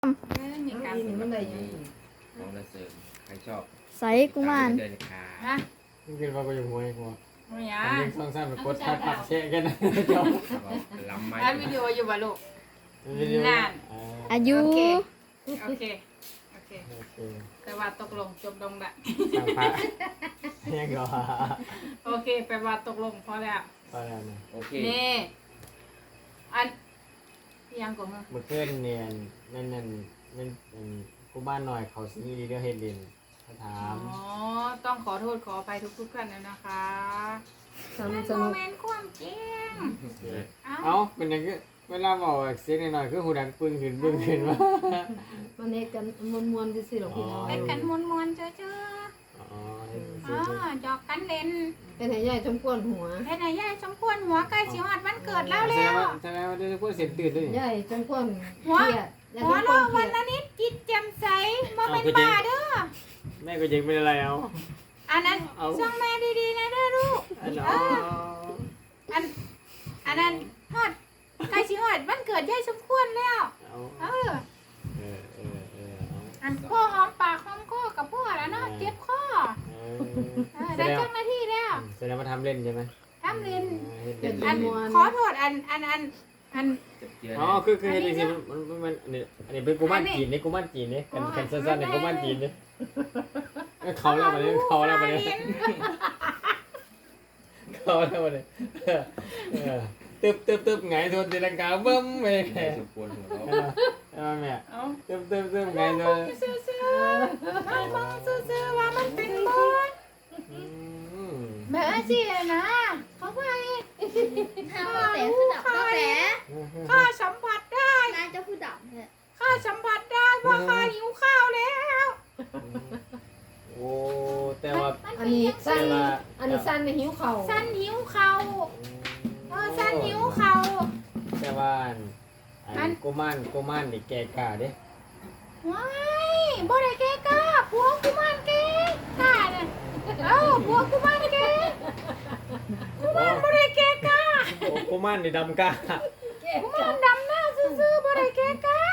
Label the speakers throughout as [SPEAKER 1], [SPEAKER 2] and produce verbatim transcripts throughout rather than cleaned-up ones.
[SPEAKER 1] มีการ
[SPEAKER 2] นี่มันได้ยัง
[SPEAKER 3] ของระเสริมใครชอบ
[SPEAKER 4] ใส่กุมาร
[SPEAKER 3] เดินขา
[SPEAKER 1] ฮะ
[SPEAKER 2] นี่คือว่าก็อยู่หัวไอ้กู
[SPEAKER 1] ไม่ยา
[SPEAKER 2] อันนี้สองสามกดทักปักแชะกันนะจบ
[SPEAKER 3] ลำไม้
[SPEAKER 1] อัดวิดีโออยู่บ่ลูก
[SPEAKER 2] วิดีโอ
[SPEAKER 1] นั่น
[SPEAKER 4] อายุ
[SPEAKER 1] โอเค โอเค โอเค
[SPEAKER 2] โอเค
[SPEAKER 1] แต่ว่าตกลงจบลงละ
[SPEAKER 2] สามพระยังก็
[SPEAKER 1] โอเคแปลว่าตกลงพอแล้ว
[SPEAKER 2] พอแล้วนะ
[SPEAKER 3] โอเค
[SPEAKER 1] นี่อันยังก่อนมั้ง
[SPEAKER 2] เมื่อคืนเนี่ยนั่นนั่นนั่นกูบ้านหน่อยเขาซีรีส์เรื่องเฮดดินเขาถา
[SPEAKER 1] อ๋
[SPEAKER 2] ม
[SPEAKER 1] อ ต้องขอโทษขออภัยทุกๆท่านเลยนะคะ
[SPEAKER 2] สนุกส
[SPEAKER 1] โม
[SPEAKER 2] นุก
[SPEAKER 1] เมนต์ความจริงเอ้า
[SPEAKER 2] เอ้าเป็นยังไงเวลาบอกเสียงหน่อยๆคือหูดังปึ้งขึ้นปึ้งขึ้นวะ
[SPEAKER 5] มันเฮ็ดกันมวนๆซื่อๆหรอกพี่น้อง
[SPEAKER 1] เป็นกันมวนๆเจ้อ
[SPEAKER 2] อ๋อ
[SPEAKER 1] ๆอ๋อจอกกันเล่น
[SPEAKER 5] เป็นให้ใหญ่จมกวนหัว
[SPEAKER 1] เฮ็ดให้ยายสมควรหัวใกล้สิฮอดวันเกิดแล้ว
[SPEAKER 2] แสด
[SPEAKER 1] แล้
[SPEAKER 2] ง
[SPEAKER 1] ว
[SPEAKER 2] ว่าแสดงว่าได้พูดเสียงตื่นด้วย
[SPEAKER 5] ใหญ่จมกวนเค
[SPEAKER 1] หัว
[SPEAKER 5] รียดใหญ่
[SPEAKER 1] หัว
[SPEAKER 5] จมกว
[SPEAKER 1] เราะ
[SPEAKER 5] นเค
[SPEAKER 1] วั
[SPEAKER 5] รี
[SPEAKER 1] น
[SPEAKER 5] ยด
[SPEAKER 1] ละนิดจิตแจ่มใสบ่เป็นบ้าเด้อ
[SPEAKER 2] แม่ก็ยังเป็นอะไรเอา
[SPEAKER 1] อันนั้นช่องแม่ดีๆนะเด้อลูก
[SPEAKER 2] อัน
[SPEAKER 1] เอออันอันนั้นฮอดใกล้สิฮอดวันเกิดยายสมควรแล้ว
[SPEAKER 2] เอา
[SPEAKER 1] เออ
[SPEAKER 2] เออเออเออเอา
[SPEAKER 1] อันพ่อหอมปากหอมคอกับพ่อแล้วเนาะเจ็บคอ
[SPEAKER 2] เอ
[SPEAKER 1] เอ
[SPEAKER 2] อ
[SPEAKER 1] อได้จังหน้าที่แล้ว
[SPEAKER 2] แสดงว่าทำเล่นใช่ไหม
[SPEAKER 1] ทำเรียน
[SPEAKER 2] เล่น
[SPEAKER 1] อันขอโทษอันอันอันอัน
[SPEAKER 3] จะเจือ
[SPEAKER 2] อ๋อคือคือเห็นจริงๆมันมันมันอันนี้อันนี้เป็นกุมารจีนนี่กุมารจีนนี่กันกันสั้นๆในกุมารจีนนี่เขาแล้วมาเนี่ยเขาแล้วมาเนี่ยเขาแล้วมาเนี่ยตึ๊บตึ๊บตึ๊บไงทวนตีลังกาเบิ้มไป
[SPEAKER 3] ใครสมควรหัวเราะ
[SPEAKER 2] เอาแม่
[SPEAKER 1] เอา
[SPEAKER 2] ตึ๊บตึ๊บตึ๊บไงท
[SPEAKER 1] ม
[SPEAKER 2] ว
[SPEAKER 1] อน งซื่อๆให้มองซื่อๆว่ามันเป็นบอลแม่สินะเขาไป
[SPEAKER 4] ข้าวแต่คือดับข้าวแต่
[SPEAKER 1] ข้าสัมผัสได้
[SPEAKER 4] นายเจ้าผู้ดับเนี่ย
[SPEAKER 1] ข้าสัมผัสได้ว่าข้าหิวข้าวแล้ว
[SPEAKER 2] โอ้แต่ว่า
[SPEAKER 5] อันนี้สั้น
[SPEAKER 2] แต่ว่า
[SPEAKER 5] อันนี้สั้นในหิวเข่า
[SPEAKER 1] สั้นหิวข้าวเออสั้นหิวข้าว
[SPEAKER 2] แต่ว่าอันกุมารกุมารนี่แก่กล้าเด้
[SPEAKER 1] ว้ายบ่ได้แกกล้าผัวกุมารแกกล้าน่ะเอ้าผัวกุมารแกกุมารบ่ได้แกกล้า
[SPEAKER 2] โอ้กุมารนี่ดำกล้า
[SPEAKER 1] กุมารดำหน้าซื่อๆบ่ได้แกกล้า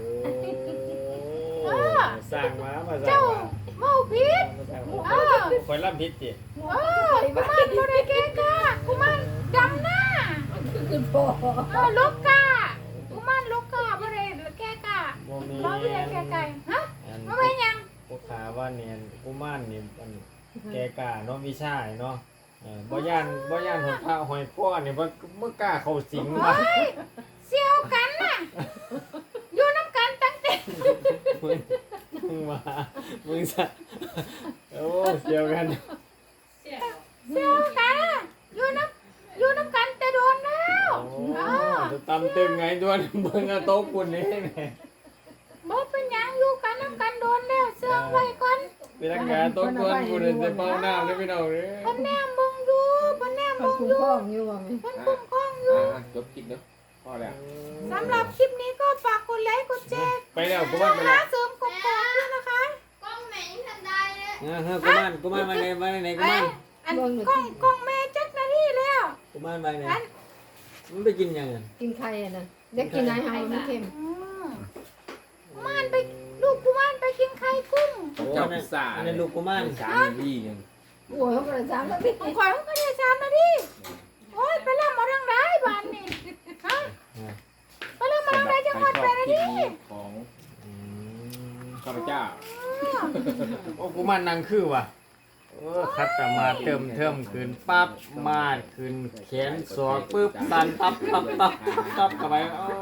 [SPEAKER 2] โอ้สร้างมามาสร้า
[SPEAKER 1] เจ้าง
[SPEAKER 2] มา
[SPEAKER 1] เมาผิด
[SPEAKER 2] มาสร้าง
[SPEAKER 1] เอ
[SPEAKER 2] มา
[SPEAKER 1] อ
[SPEAKER 2] คอยรับผิดสิ
[SPEAKER 1] เออกุมารบ่ได้แกกล้ากุมารดำหน้า
[SPEAKER 5] คือพ่อ
[SPEAKER 1] เออลูกกล้ากุมารลูกกล้าบ่ได้แกกล้า
[SPEAKER 2] โมมี
[SPEAKER 1] บ่ได้แกกล้าฮะ
[SPEAKER 2] อัน
[SPEAKER 1] บ่เป็นหยัง
[SPEAKER 2] พวกขาว่าเนี่ยกุมารนี่มันแก่กล้าเนาะวิชาเนาะเออบ่ย่านบ่ย่านหอยพระหอยป้อนี่บ่บ่กล้าเข้าสิง
[SPEAKER 1] เฮ้
[SPEAKER 2] ว่ะ
[SPEAKER 1] ยเสี่ยวกันน่ะอยู่น้ำกันตั้งแต่
[SPEAKER 2] มึงมึงมามึงซะโอ้เสียวกัน
[SPEAKER 1] เสี่ยวกันน่ะอยู่น้ำอยู่น้ำกันแต่โดนแล้ว
[SPEAKER 2] โอ้
[SPEAKER 1] เออ
[SPEAKER 2] จะตำตึงไงด้วยเบิ่งเอาโต๊ะปุ่นนี่แหม่
[SPEAKER 1] บ่เป็นหยังอยู่กันน้ำกันโดนแล้วเสื่องไว้ก่อน
[SPEAKER 2] เป็นรักษาโต๊ะปุ่นปุ่นจะเป่าน้ำได้พี่น้องเด้อ
[SPEAKER 1] เพิ่นแนมเบิ่งอยู่เพิ่นแนม
[SPEAKER 5] มัน
[SPEAKER 1] เบิ่ง
[SPEAKER 5] คุ้
[SPEAKER 1] อ
[SPEAKER 5] ม
[SPEAKER 1] ยู่
[SPEAKER 5] ครองอยู่ว่าไหม
[SPEAKER 1] เพิ่นคุ้มครองอยู่
[SPEAKER 3] อ่ะจบคลิปเนาะพอแล้ว
[SPEAKER 1] สำหรับคลิปนี้ก็ฝากกดไลค์กดแชร์
[SPEAKER 2] ไปแล้วกุมารไป
[SPEAKER 1] หา
[SPEAKER 2] แล้ว
[SPEAKER 1] เสริมกบกอกด้วยนะคะ
[SPEAKER 4] กล้องแม่ยังทำได้เลย
[SPEAKER 2] เออเฮ้ยกุมารกุมารมาไหนมาไหนกุ
[SPEAKER 1] เอ้
[SPEAKER 2] มาย ร
[SPEAKER 1] อันกล้องกล้องแม่จักนาทีแล้ว
[SPEAKER 2] กุมารมาไหน
[SPEAKER 1] อัน
[SPEAKER 2] มันไปกินยังไง
[SPEAKER 5] กินไข่อ่ะนะเด็กกินนายเฮามันเค็ม
[SPEAKER 1] อืมกุมารไปลูกกุมารไปกินไข่กุ้ง
[SPEAKER 3] เจ้าพิซซ่า
[SPEAKER 2] อันนั้นลูกกุมาร
[SPEAKER 3] สามที่ยัง
[SPEAKER 5] โอ้ยเขากระซ้ำแล้วพี่
[SPEAKER 1] ข่อยมันก็ได้สามนาทีโอ้ยไปแล้วมาทางไหนบ้านนี่ฮะไปแล้วมาทางไหนจังหวัด
[SPEAKER 3] ใค
[SPEAKER 1] ไป
[SPEAKER 3] รชอบ
[SPEAKER 1] นา
[SPEAKER 3] คลิ
[SPEAKER 1] ที
[SPEAKER 3] ปนี้ของ
[SPEAKER 2] อืม
[SPEAKER 3] ข้าพเจ้า
[SPEAKER 2] โอ้กุมารนางคือว่ะเออคัดแต่มาเติมเทิมขึ้นปั๊บมาดขึ้นแขนสอกปึ๊บตันตับตับตับตับตับเข้าไปโอ้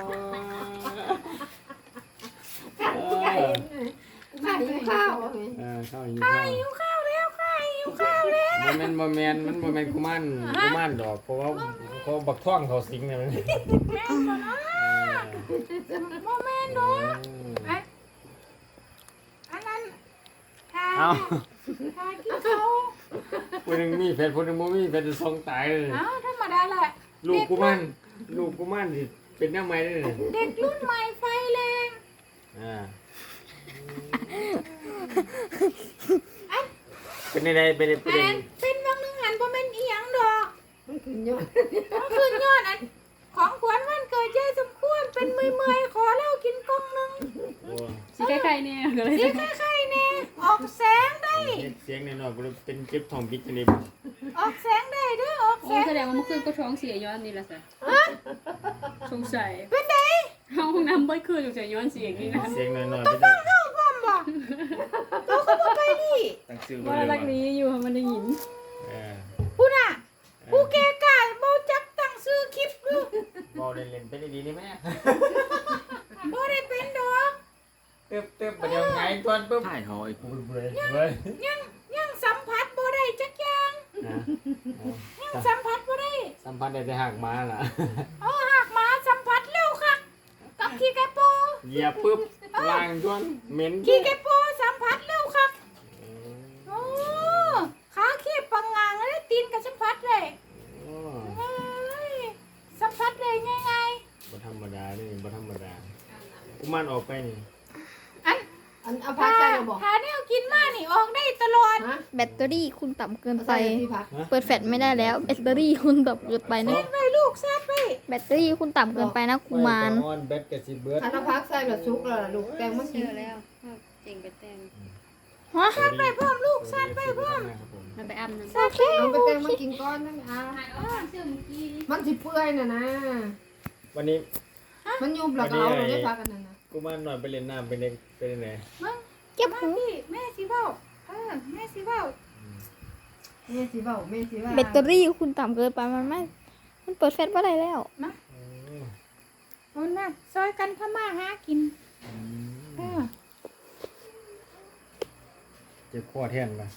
[SPEAKER 2] เออ
[SPEAKER 5] ไข่หิวข้าวว่าไหม
[SPEAKER 2] เออเข้าหิวข้าว
[SPEAKER 1] หิวข้าวแล้วค่ะหิวข้าวแล้ว
[SPEAKER 2] มันเป็นโมเมนมันโมเมนกุมารกุมารดอกเพราะว่าเขาบักท่องเขาสิงเนี่ยมัน
[SPEAKER 1] แม่ก่อนนะโมเมนต์ดูอันอันนั้นทา
[SPEAKER 2] เอา
[SPEAKER 1] ทากินเขา
[SPEAKER 2] คนหนึ่งมีเพชรคนหนึ่งบ่มีเพชรจะทรงตายเลย
[SPEAKER 1] เอ้าธรรมดาแหละ
[SPEAKER 2] ลูกกุมารลูกกุมารสิเป็นหน้าไม้ได้เลย
[SPEAKER 1] เด็กรุ่นใหม่ไฟแรง
[SPEAKER 2] อ่าเป็นอะไรเป็นอะไรเป็น
[SPEAKER 1] อัน
[SPEAKER 2] อะไร
[SPEAKER 1] นั้นเป็นบางหนึ่งหันเพราะเป็นอีหยังดอก
[SPEAKER 5] มันคือยอด
[SPEAKER 1] ก็คือยอดอันของขวัญวันเกิดยายสมควรเป็นเมื่อยๆขอเหล้ากินกล่องหนึง
[SPEAKER 2] โอ้
[SPEAKER 6] สีไข่ๆเนี่ยก็เลย
[SPEAKER 1] สีไข่ๆแน่ออกแสงได้
[SPEAKER 2] เฮ็ดเสียงหน่อยๆบ่ได้เป็นเจ็บท้องพิษจังได๋
[SPEAKER 1] ออกแสงได้เด้อออก
[SPEAKER 6] โอ้
[SPEAKER 1] แสง
[SPEAKER 6] แสดงว่าเมื่อคืนก็ท้องเสียย้อนนี่แหละสิสงสัย
[SPEAKER 1] เป็นได
[SPEAKER 6] เข้าห้องน้ำบ่อยคืนสงสัยย้อนเสียงนี่นะ
[SPEAKER 2] เสียงหน่อยๆไปได้
[SPEAKER 1] เข้าพร้อมบ่ตัวก็บ่ไปดิ
[SPEAKER 3] ตั้งชื่อ
[SPEAKER 6] ว่ารักนี้อยู่มันได้ยิน
[SPEAKER 2] เออ
[SPEAKER 1] ผู้น่ะผู้แก่กล้าบ่จักตั้งชื่อคลิปดู
[SPEAKER 2] บ่เล่นๆไปดีๆนี่แม่
[SPEAKER 1] บ่ได้เป็นดอก
[SPEAKER 2] ตึ๊บๆบ่เดี๋ยวไงก่อนปึ๊บ
[SPEAKER 3] ถ่ายหอยกู
[SPEAKER 2] เว้ยเว้ย
[SPEAKER 1] ยังยังสัมผัสบ่ได้จักอย่าง
[SPEAKER 2] นะ
[SPEAKER 1] ยังสัมผัสบ่ได้
[SPEAKER 2] สัมพันธ์ได้แต่หักมาล่ะ
[SPEAKER 1] เอาหากหมาสัมผัสเร็วคักกับขี้ไก่โป
[SPEAKER 2] เหยียบปึ๊บล้างจนเหม็น
[SPEAKER 1] ขี้ไก่โปสัมผัสเร็วคักโอ้ขาขี้ปังงางเลยตีนกับสัมผัสเลย
[SPEAKER 2] โอ้
[SPEAKER 1] เอ้ยสัมผัสเลยง่าย
[SPEAKER 2] บ่ธรรมดานี่บ่ธรรมดากุมารออกไปนี่
[SPEAKER 1] ๆอัน
[SPEAKER 5] อันเอา
[SPEAKER 1] ถ้า
[SPEAKER 5] พักใส่เราบอก
[SPEAKER 1] ถ้าแนวกินมานี่ออกได้ตลอด
[SPEAKER 5] ฮะ
[SPEAKER 4] แบตเตอรี่คุณต่ำเกินไป
[SPEAKER 5] ใส่ที่พัก
[SPEAKER 4] เปิดแฟลชไม่ได้แล้วแบตเตอรี่คุณต่ำเกินไปนะ
[SPEAKER 1] ไปลูกซาดไป
[SPEAKER 4] แบตเตอรี่คุณต่ำเกินไปนะกุมาร
[SPEAKER 2] ออนแบตก็สิเบิด
[SPEAKER 5] อันเอาพักใส่แบบซุกแล้วล่ะลูกแตงมากิน
[SPEAKER 6] แล้วเจ๋งไปแตง
[SPEAKER 4] ฮะ
[SPEAKER 1] ซาดไปพร้อมลูกซาดไปพร้อม
[SPEAKER 6] มันไปอาบน้ำ
[SPEAKER 1] ซาดไป
[SPEAKER 5] เอาไปแตงมากินก้อนนั่นอ่ะมันสิเปื่อยน่ะนะ
[SPEAKER 2] วันนี้
[SPEAKER 5] มันยุบแล้วก็เอาลงในพักอันนั้นนะ
[SPEAKER 2] กุมารหน่อยไปเล่นน้ำไปเล่นไปเล่นไหน
[SPEAKER 4] เก็บ
[SPEAKER 1] มา
[SPEAKER 4] หู
[SPEAKER 1] พี่แม่สิเว้าเออแม่สิเว้า
[SPEAKER 5] แม่สิเว้าแม่สิว่า
[SPEAKER 4] แบตเตอรี่คุณต่ำเกินไปมันไม่มันเปิดแฟลชไม่ได้แล้ว
[SPEAKER 1] เอาน่ะซอยกันทำมาหากินเออ
[SPEAKER 2] เจ็บคอแทนป่ะ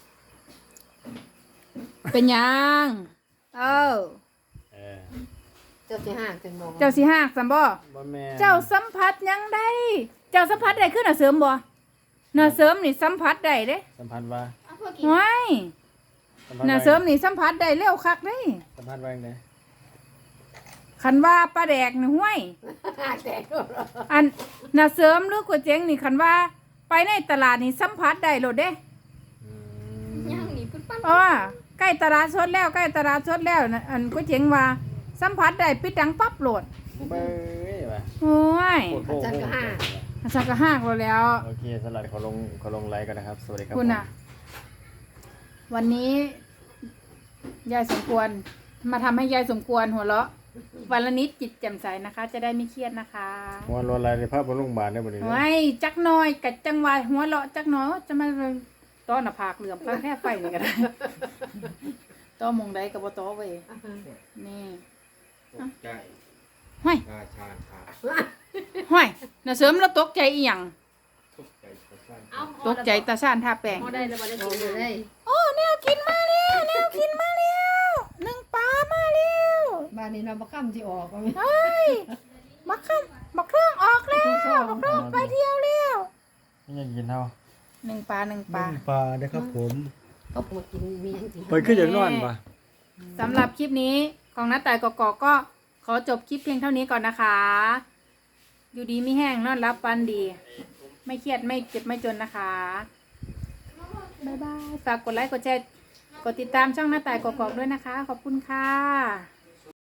[SPEAKER 1] เป็นยังเออ
[SPEAKER 2] เออ
[SPEAKER 5] เจ้าสิหากจังบอก
[SPEAKER 1] เจ้าสิหากสัมบ่
[SPEAKER 2] บ่แม่
[SPEAKER 1] เจ้าสัมผัสยังได้เจ้าสัมผัสได้ขึ้นน่ะเสริมบ่น่ะเสริมนี่สัมผัสได้เด้
[SPEAKER 2] สัมพันธ์ว่า
[SPEAKER 1] ว้าย
[SPEAKER 2] สัมพันธ์
[SPEAKER 1] น่ะ
[SPEAKER 2] ว่า
[SPEAKER 1] เสริมนี่สัมผัสได้เร็วคักเด้
[SPEAKER 2] สัมพันธ์ว่าจังได
[SPEAKER 1] คันว่าปลาแดกนี่ห้วย
[SPEAKER 5] หากแตก
[SPEAKER 1] อันน่ะเสริมหรือก๋วยเจ๋งนี่คันว่าไปในตลาดนี่สัมผัสได้โลดเด้
[SPEAKER 2] อืม
[SPEAKER 4] ย่างหนีปุ๊บปั๊บ
[SPEAKER 1] เพราะว่าใกล้ตลาดสดแล้วใกล้ตลาดสดแล้วน่ะอันก๋วยเจ๋งว่าสัมผัสได้ปิดดังปั๊บโหลด
[SPEAKER 2] เบ้ยว่ะ
[SPEAKER 1] โอ้ย
[SPEAKER 2] โคตรโคตรโคตร
[SPEAKER 1] สักกะหากเราแล้ว
[SPEAKER 2] โอเคสลัดขอลงขอลงไลค์กันนะครับ สวัสดีครับ
[SPEAKER 1] คุณ
[SPEAKER 2] ผม
[SPEAKER 1] อ่ะ วันนี้ยายสมควร มาทำให้ยายสมควรหัวเราะวันละนิดจิตแจ่มใสนะคะ จะได้ไม่เครียดนะคะ
[SPEAKER 2] หัวโลนอะไรในภาพบนโรงพยาบาลได้บ่นี่
[SPEAKER 1] ไว้จักหน้อยกัดจังหวะหัวเราะจักหน้อยจะมาต้อนหน้าผากเหลื่อมข้างแค่ไฟนี่ก็ได้ ต้อมงได้กับบ่ต้อเว้ยนี่
[SPEAKER 3] ตกใจ
[SPEAKER 1] ห้อย
[SPEAKER 3] ราชาขา
[SPEAKER 1] ห้อยน่ะเสริมแล้วตกใจอีหยัง
[SPEAKER 3] ตกใจกระสั้น
[SPEAKER 1] ตกใจตาซ่านท่าแปลง
[SPEAKER 6] พอได้แล้วบ่ได้
[SPEAKER 5] โอ้
[SPEAKER 6] กิน
[SPEAKER 5] ยได้
[SPEAKER 1] โอ้แนวกินมาแล้วแนวกินมาแล้วหนึ่งปลามาแล้ว
[SPEAKER 5] บ้านนี้เราบ่ค่ำสิออกว่าแม่
[SPEAKER 1] เฮ้ยบักข้ามบักเครื่องออกแล้วบักเครื่องไปเที่ยวแล้ว
[SPEAKER 2] ไม่ยังกินเท่า
[SPEAKER 1] หนึ่งปลาหนึ่งปลา
[SPEAKER 2] ปลาได้ครับผม
[SPEAKER 5] เขาปวดกินมีหยังสิ
[SPEAKER 2] ไปขึ้นจากนอนปะ
[SPEAKER 1] สำหรับคลิปนี้ของน้าต่ายกอกๆก็ขอจบคลิปเพียงเท่านี้ก่อนนะคะ อยู่ดีไม่แห้งนอนรับฟันดี ไม่เครียดไม่เจ็บไม่จนนะคะบ๊ายบายฝากกดไลค์กดแชร์กดติดตามช่องน้าต่ายกอกๆด้วยนะคะ ขอบคุณค่ะ